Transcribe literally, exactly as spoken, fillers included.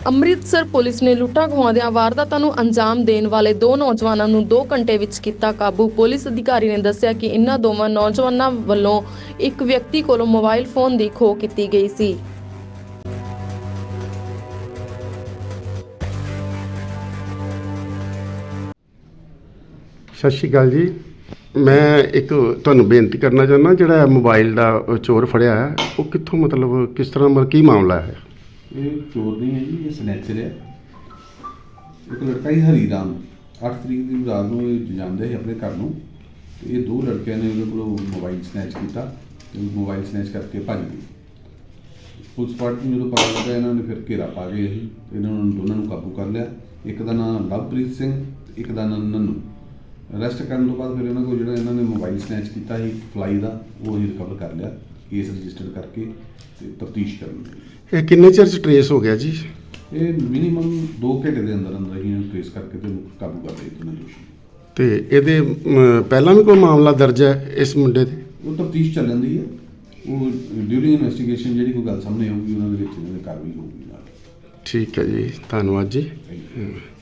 Amritsar police ਨੇ ਲੁੱਟਾਂ ਖੋਹਾਂ ਦੀਆਂ ਵਾਰਦਾਤਾਂ ਨੂੰ ਅੰਜਾਮ ਦੇਣ ਵਾਲੇ ਦੋ ਨੌਜਵਾਨਾਂ ਨੂੰ ਦੋ ਘੰਟੇ ਵਿੱਚ ਕੀਤਾ ਕਾਬੂ। ਪੁਲਿਸ ਅਧਿਕਾਰੀ ਨੇ ਦੱਸਿਆ ਕਿ ਇਨ੍ਹਾਂ ਦੋਵਾਂ ਨੌਜਵਾਨਾਂ ਵੱਲੋਂ ਇੱਕ ਵਿਅਕਤੀ ਕੋਲੋਂ ਮੋਬਾਈਲ ਫੋਨ ਦੀ ਖੋਹ ਕੀਤੀ ਗਈ ਸੀ। ਸਤਿ ਸ਼੍ਰੀ ਅਕਾਲ ਜੀ। ਮੈਂ ਇੱਕ ਤੁਹਾਨੂੰ ਬੇਨਤੀ ਕਰਨਾ ਚਾਹੁੰਦਾ, ਜਿਹੜਾ ਮੋਬਾਈਲ ਦਾ ਚੋਰ ਫੜਿਆ ਹੈ ਉਹ ਕਿੱਥੋਂ, ਮਤਲਬ ਕਿਸ ਤਰ੍ਹਾਂ, ਮਤਲਬ ਕੀ ਮਾਮਲਾ ਹੈ? ਇਹ ਚੋਰ ਨਹੀਂ ਹੈ ਜੀ, ਇਹ ਸਨੈਚਰ ਹੈ। ਇੱਕ ਲੜਕਾ ਹੀ ਹਰੀ ਰਾਮ ਅੱਠ ਤਰੀਕ ਦੀ ਰਾਤ ਨੂੰ ਇਹ ਜਾਂਦੇ ਸੀ ਆਪਣੇ ਘਰ ਨੂੰ, ਤੇ ਇਹ ਦੋ ਲੜਕਿਆਂ ਨੇ ਉਹਦੇ ਕੋਲੋਂ ਮੋਬਾਈਲ ਸਨੈਚ ਕੀਤਾ ਤੇ ਮੋਬਾਈਲ ਸਨੈਚ ਕਰਕੇ ਭੱਜ ਗਏ। ਪੁਲਿਸ ਪਾਰਟੀ ਨੂੰ ਜਦੋਂ ਪਤਾ ਲੱਗਾ, ਇਹਨਾਂ ਨੇ ਫਿਰ ਘੇਰਾ ਪਾ ਕੇ ਅਸੀਂ ਇਹਨਾਂ ਨੂੰ ਦੋਨਾਂ ਨੂੰ ਕਾਬੂ ਕਰ ਲਿਆ। ਇੱਕ ਦਾ ਨਾਮ ਲਵਪ੍ਰੀਤ ਸਿੰਘ, ਇੱਕ ਦਾ ਨਾਮ ਨੰਨੂ। ਅਰੈਸਟ ਕਰਨ ਤੋਂ ਬਾਅਦ ਫਿਰ ਇਹਨਾਂ ਕੋਲ ਜਿਹੜਾ ਇਹਨਾਂ ਨੇ ਮੋਬਾਈਲ ਸਨੈਚ ਕੀਤਾ ਸੀ ਫਲਾਈ ਦਾ, ਉਹ ਅਸੀਂ ਰਿਕਵਰ ਕਰ ਲਿਆ, ਕੇਸ ਰਜਿਸਟਰ ਕਰਕੇ ਤੇ ਤਫਤੀਸ਼ ਕਰਨ ਲਈ। ਇਹ ਕਿੰਨੇ ਚਿਰ 'ਚ ਟਰੇਸ ਹੋ ਗਿਆ ਜੀ? ਇਹ ਮਿਨੀਮਮ ਦੋ ਘੰਟੇ ਦੇ ਅੰਦਰ ਅੰਦਰ ਹੀ ਟ੍ਰੇਸ ਕਰਕੇ ਤੇ ਕਾਬੂ ਕਰ ਲਏ ਦੋਨਾਂ ਦੋਸ਼ੀ। ਤੇ ਇਹਦੇ ਅਮ, ਪਹਿਲਾਂ ਵੀ ਕੋਈ ਮਾਮਲਾ ਦਰਜ ਹੈ ਇਸ ਮੁੰਡੇ ਤੇ? ਉਹ ਤਫਤੀਸ਼ ਚੱਲ ਜਾਂਦੀ ਹੈ, ਉਹ ਡਿਊਰਿੰਗ ਇਨਵੈਸਟੀਗੇਸ਼ਨ ਜਿਹੜੀ ਕੋਈ ਗੱਲ ਸਾਹਮਣੇ ਆਊਗੀ ਉਹਨਾਂ ਦੇ ਵਿੱਚ ਇਹਨਾਂ ਦੀ ਕਾਰਵਾਈ ਹੋਊਗੀ ਨਾਲ। ਠੀਕ ਹੈ ਜੀ, ਧੰਨਵਾਦ ਜੀ। Thank you.